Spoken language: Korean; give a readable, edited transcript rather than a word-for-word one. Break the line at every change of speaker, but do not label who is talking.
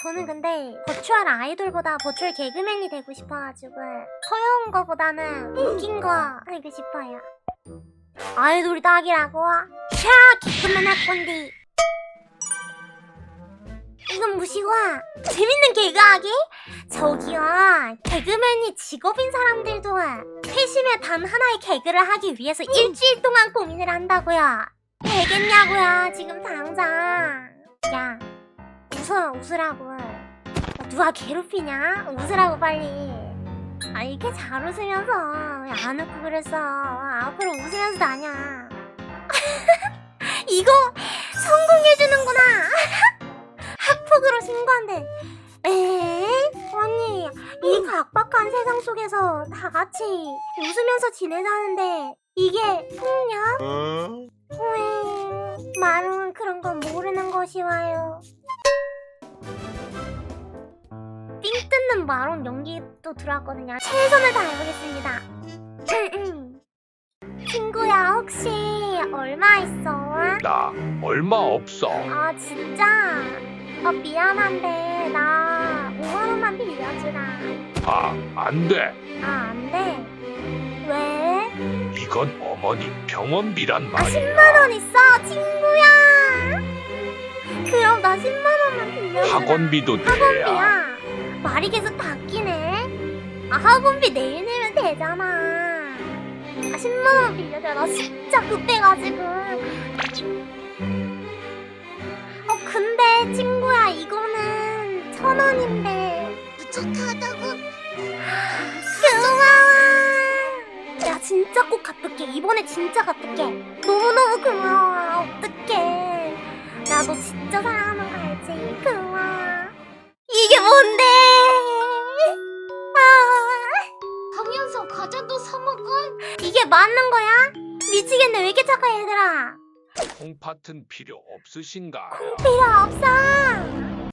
저는 근데 버추얼 아이돌보다 버추얼 개그맨이 되고 싶어가지고 서여운 거보다는 웃긴 거 하고 싶어요. 아이돌이 딱이라고? 샤! 개그맨 할 건데. 이건 무시고 재밌는 개그하기? 저기요, 개그맨이 직업인 사람들도 회심의 단 하나의 개그를 하기 위해서 일주일 동안 고민을 한다고요. 되겠냐고요 지금 당장. 야, 웃으라고. 누가 괴롭히냐? 웃으라고 빨리. 아, 이렇게 잘 웃으면서 왜 안 웃고 그랬어. 앞으로 웃으면서 다녀. 이거 성공해주는구나. 학폭으로 신고한대. 아니, 이 각박한 세상 속에서 다 같이 웃으면서 지내자는데 이게 폭력? 마롱은 그런 건 모르는 것이 와요. 삥 뜯는 마롱 연기도 들어왔거든요. 최선을 다해보겠습니다. 친구야, 혹시 얼마 있어?
나 얼마 없어.
아, 진짜? 미안한데 나 5만원만 빌려주라.
안 돼.
안 돼? 왜?
이건 어머니 병원비란
아,
말이야.
10만원 있어, 친구야. 그럼 나 10만원만 빌려주라.
학원비도 내야.
학원비야. 말이 계속 바뀌네. 아, 학원비 내일 내면 되잖아. 아, 10만원 빌려줘. 나 진짜 급해가지고. 근데 친구야, 이거는 1,000원인데 부족하다고. 고마워. 야, 진짜 꼭 갚을게. 이번에 진짜 갚을게. 너무너무 고마워. 어떡해. 나 너 진짜 사랑하는 거 알지? 고마워. 이게 뭔데?
하면서 과자도 사 먹어?
이게 맞는 거야? 미치겠네. 왜 이렇게 착해, 얘들아?
콩팥은 필요 없으신가요?
필요 없어.